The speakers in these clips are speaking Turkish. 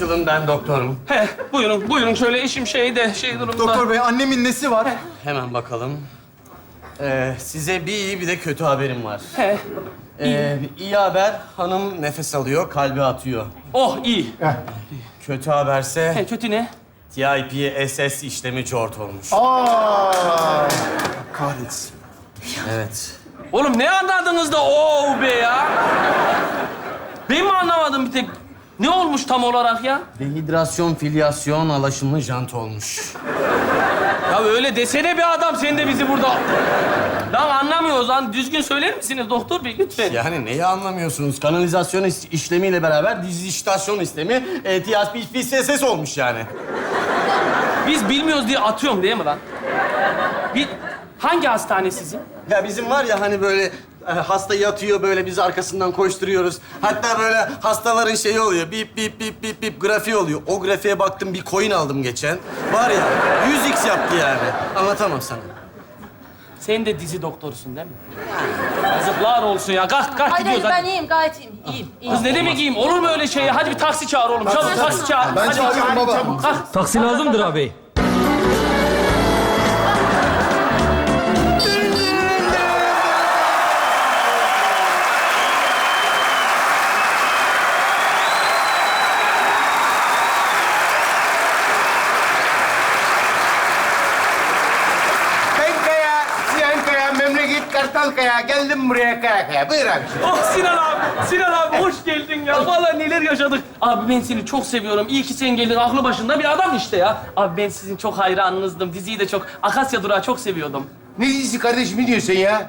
Açılın, ben doktorum. He, buyurun şöyle işim şey durumda. Doktor bey, annemin nesi var? Hemen bakalım. Size bir iyi bir de kötü haberim var. He. İyi haber, hanım nefes alıyor, kalbi atıyor. Oh iyi. Kötü haberse He, kötü ne? TIP SS işlemi cort olmuş. Kahretsin. Evet. Oğlum ne anladınız da oh be ya? Ben mi anlamadım bir tek? Ne olmuş tam olarak ya? Dehidrasyon, filyasyon, alaşımlı jant olmuş. Ya öyle desene bir adam sen de bizi burada... Lan anlamıyoruz lan. Düzgün söyler misiniz doktor bey lütfen? Yani neyi anlamıyorsunuz? Kanalizasyon işlemiyle beraber dijitasyon işlemi TIP SS olmuş yani. Biz bilmiyoruz diye atıyorum değil mi lan? Hangi hastane sizin? Ya bizim var ya hani böyle hasta yatıyor böyle biz arkasından koşturuyoruz. Hatta böyle hastaların şeyi oluyor. Bip bip bip bip bip grafiği oluyor. O grafiğe baktım bir coin aldım geçen. Var ya 100x yaptı yani. Anlatamam sana. Sen de dizi doktorusun değil mi? Yazıklar olsun ya. Kalk Hayır, gidiyoruz hayır, hadi. ben iyiyim, gayet iyiyim. İyiyim. Kız ne demek iyiyim? Olur mu öyle şey ya? Hadi bir taksi çağır oğlum. Çabuk taksi çağır. Ben Hadi çağırıyorum baba. Kalk. Taksi lazımdır abi. Ben Kaya, Sinan Kaya, memleket Kartalkaya. Geldim buraya Kaya. Buyur abi. Oh Sinan abi hoş geldin ya. Vallahi neler yaşadık. Abi ben seni çok seviyorum. İyi ki sen geldin. Aklı başında bir adam işte ya. Abi ben sizin çok hayranınızdım. Diziyi de çok... Akasya Durağı çok seviyordum. Ne dizisi kardeşim, ne diyorsun ya?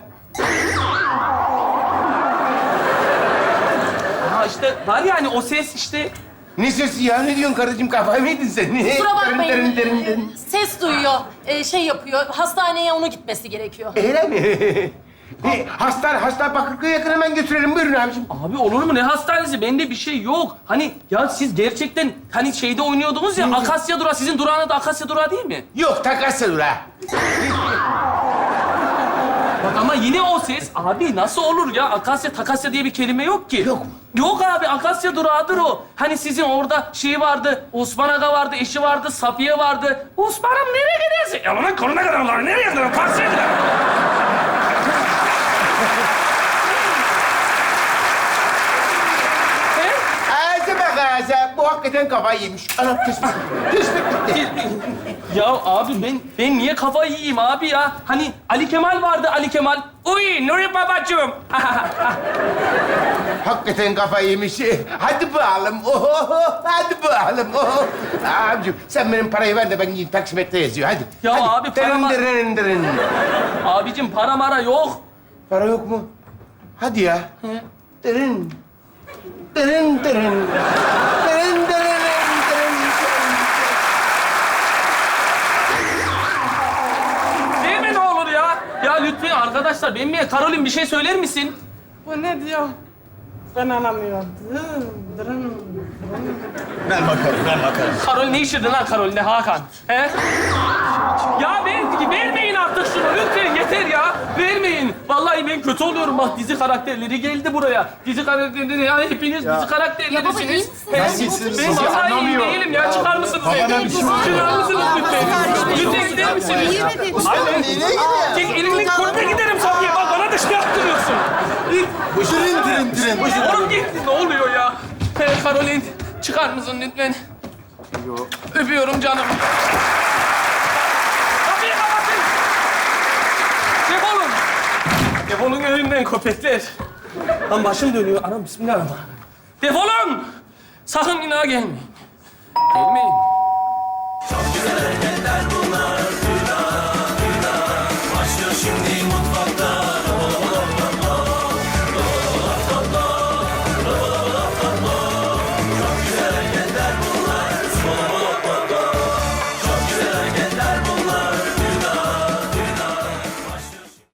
Ha işte var ya hani o ses işte... Ne sesi ya? Ne diyorsun kardeşim? Kafayı mı yedin sen? Kusura bakmayın, Derin. ses duyuyor, şey yapıyor. Hastaneye onu gitmesi gerekiyor. Öyle mi? Hasta Bakırköy yakın, hemen götürelim. Buyurun abiciğim. Abi olur mu? Ne hastanesi? Bende bir şey yok. Hani ya siz gerçekten hani şeyde oynuyordunuz ya Akasya Durağı. Sizin durağınız da Akasya Durağı değil mi? Yok, Takasya Durağı. Bak ama yine o ses. Abi nasıl olur ya? Akasya, Takasya diye bir kelime yok ki. Yok mu? Yok abi, Akasya Durağı'dır o. Hani sizin orada şey vardı, Osman Aga vardı, eşi vardı, Safiye vardı. Osman'ım nereye gidersin? Ya lan koruna kadar onlar nereye gider? Taksiye gider. Ağzı bak ağzı. Bu hakikaten kafayı yemiş. Anam tespit gitti. Ya abi ben niye kafayı yiyeyim abi ya? Hani Ali Kemal vardı, Ali Kemal. Uy Nuri babacığım. Hakikaten kafayı yemiş. Hadi bakalım. Hadi bakalım. Abicim sen benim parayı ver de ben gideyim taksimetre yazıyor. Hadi. Ya hadi. abi, paramı- Dırın. Abicim para mara yok. Para yok mu? Hadi ya. Dırın. Dırın. Dırın. Değil mi ne olur ya? Ya lütfen arkadaşlar benimle Karolin bir şey söyler misin? Bu ne diyor? Ben anlamıyorum. Ben bakarım. Karol ne işirdin lan Karol ne Hakan? He? Ya vermeyin artık şunu lütfen yeter ya. Vermeyin. Vallahi ben kötü oluyorum bak dizi karakterleri geldi buraya. Dizi karakterleri ya hepiniz dizi Ya baba iyi karakterlerisiniz. misin? He? Nasılsın? Ben vallahi iyi değilim ya. Çıkar mısınız? Çıkar mısınız lütfen? Lütfen gider misiniz? Aynen. Çek elini korkma giderim Safiye. Bak bana da şey yaptırıyorsun. Dırın. Oğlum git. Ne oluyor ya? Karolin çıkar mısın lütfen? Öpüyorum canım. Kapıyı kapatın. Defolun. Defolun önümden köpekler. Lan başım dönüyor. Anam bismillahirrahmanirrahim. Defolun. Sakın bir daha gelmeyin. Gelmeyin.